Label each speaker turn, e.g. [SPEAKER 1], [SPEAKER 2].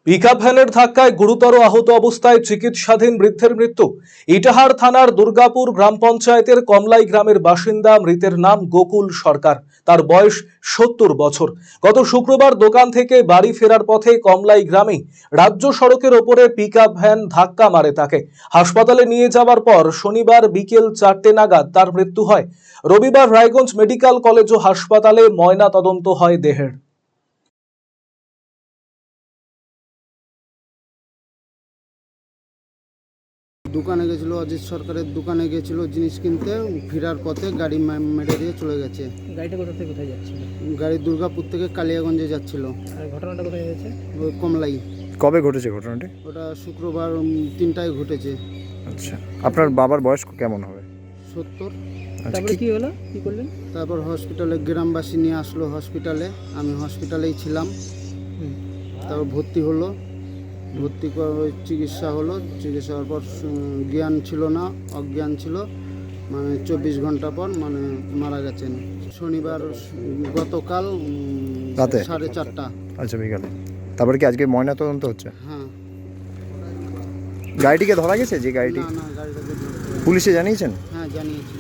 [SPEAKER 1] Pickup ভ্যানের ধাক্কায় গুরুতর আহত অবস্থায় চিকিৎসাধীন বৃদ্ধের মৃত্যু। ইটাহার থানার দুর্গাপুর গ্রাম পঞ্চায়েতের কমলাই গ্রামের বাসিন্দা মৃতের নাম গোকুল সরকার। তার বয়স ৭০ বছর। গত শুক্রবার দোকান থেকে বাড়ি ফেরার পথে কমলাই গ্রামে রাজ্য সড়কের ওপরে পিকআপ ভ্যান ধাক্কা মারে তাকে। হাসপাতালে নিয়ে যাওয়ার পর শনিবার বিকেল ৪টে নাগাদ তার মৃত্যু হয়। রবিবার রায়গঞ্জ মেডিকেল কলেজ ও হাসপাতালে ময়না তদন্ত হয় দেহের।
[SPEAKER 2] দোকানে গেছিল, অজিত সরকারের দোকানে গেছিল জিনিস কিনতে, ফেরার পথে গাড়ি মেরে দিয়ে চলে গেছে।
[SPEAKER 3] গাড়িটা কোথা থেকে কোথায় যাচ্ছিল?
[SPEAKER 2] গাড়ি দুর্গাপুর থেকে কালিয়াগঞ্জে যাচ্ছিল।
[SPEAKER 3] আর ঘটনাটা কোথায় হয়েছে?
[SPEAKER 2] ওই কমলাই।
[SPEAKER 4] কবে ঘটেছে ঘটনাটি?
[SPEAKER 2] ওটা শুক্রবার ৩টায় ঘটেছে।
[SPEAKER 4] আচ্ছা, আপনার বাবার বয়স কেমন হবে?
[SPEAKER 2] ৭০।
[SPEAKER 3] তারপরে কি হলো, কি করলেন?
[SPEAKER 2] তারপর হসপিটালে গ্রামবাসী নিয়ে আসলো হসপিটালে, আমি হসপিটালেই ছিলাম। তারপর ভর্তি হলো, ভর্তি করে চিকিৎসা হলো। চিকিৎসা হওয়ার পর জ্ঞান ছিল না, অজ্ঞান ছিল, মানে 24 ঘন্টা পর মানে মারা গেছেন। শনিবার গতকাল
[SPEAKER 4] রাতে
[SPEAKER 2] 4:30।
[SPEAKER 4] আচ্ছা, বিকালে। তারপরে কি আজকে ময়না তদন্ত হচ্ছে?
[SPEAKER 2] হ্যাঁ।
[SPEAKER 4] গাড়িটিকে ধরা গেছে? যে গাড়িটি
[SPEAKER 2] না, গাড়িটাকে ধরতে হবে।
[SPEAKER 4] পুলিশে জানিয়েছেন?
[SPEAKER 2] হ্যাঁ, জানিয়েছি।